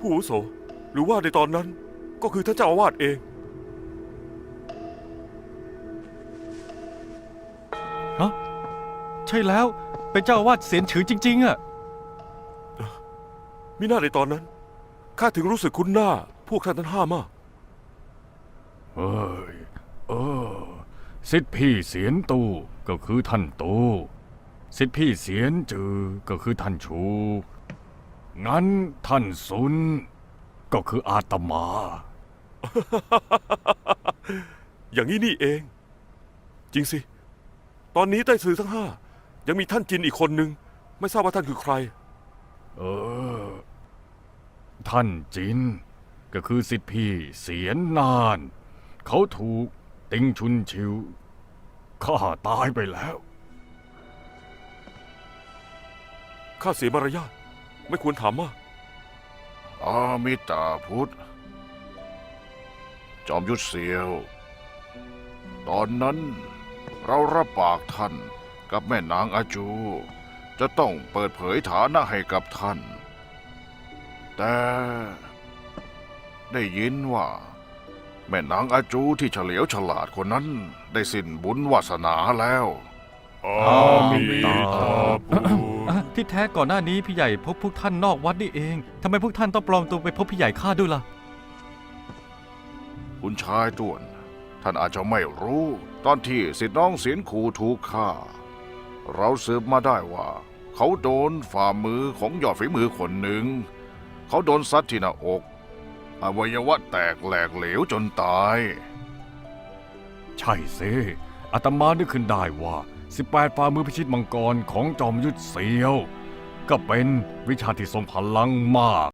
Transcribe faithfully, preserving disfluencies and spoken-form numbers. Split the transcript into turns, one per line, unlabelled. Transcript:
ผู้อาวุโสหรือว่าในตอนนั้นก็คือท่านเจ้าอาวาสเอง
ฮะใช่แล้วเป็นเจ้าอาวาสเสียนฉือจริงๆอะ
มิน่าในตอนนั้นข้าถึงรู้สึกคุ้นหน้าพวกท่านทั้งห้ามาก
เอ้ยเออสิทธิพี่เสียนตูก็คือท่านตูสิทธิพี่เสียนจือก็คือท่านชู งั้นท่านซุนก็คืออาตมา
อย่างนี้นี่เอง จริงสิ ตอนนี้ใต้สื่อทั้งห้ายังมีท่านจินอีกคนนึงไม่ทราบว่าท่านคือใคร
เออ ท่านจิน ก็คือสิทธิพี่เสียนนาน เขาถูกติงชุนชิวฆ่าตายไปแล้ว
ข้าเสียมารยาทไม่ควรถามมาก
อามิตาพุทธ จอมยุทธเสียว ตอนนั้นเรารับปากท่านกับแม่นางอาจู จะต้องเปิดเผยฐานะให้กับท่าน แต่ได้ยินว่า แม่นางอาจูที่เฉลียวฉลาดคนนั้นได้สิ้นบุญวาสนาแล้ว
อามิตาพุทธ
อ่ะที่แท้ก่อนหน้านี้พี่ใหญ่พบพวกท่านนอกวัดนี่เองทำไมพวกท่านต้องปลอมตัวไปพบพี่ใหญ่ข้าด้วยล่ะ
คุณชายต้วน ท่านอาจจะไม่รู้ ตอนที่สิทธิน้องเสียนขู่ถูกฆ่า เราสืบมาได้ว่า เขาโดนฝ่ามือของยอดฝีมือคนหนึ่ง เขาโดนซัดที่หน้าอก อวัยวะแตกแหลกเหลวจนตาย
ใช่สิอาตมานึกขึ้นได้ว่าสิบแปดฝ่ามือพิชิตมังกรของจอมยุทธเสียว ก็เป็นวิชาที่ทรงพลังมาก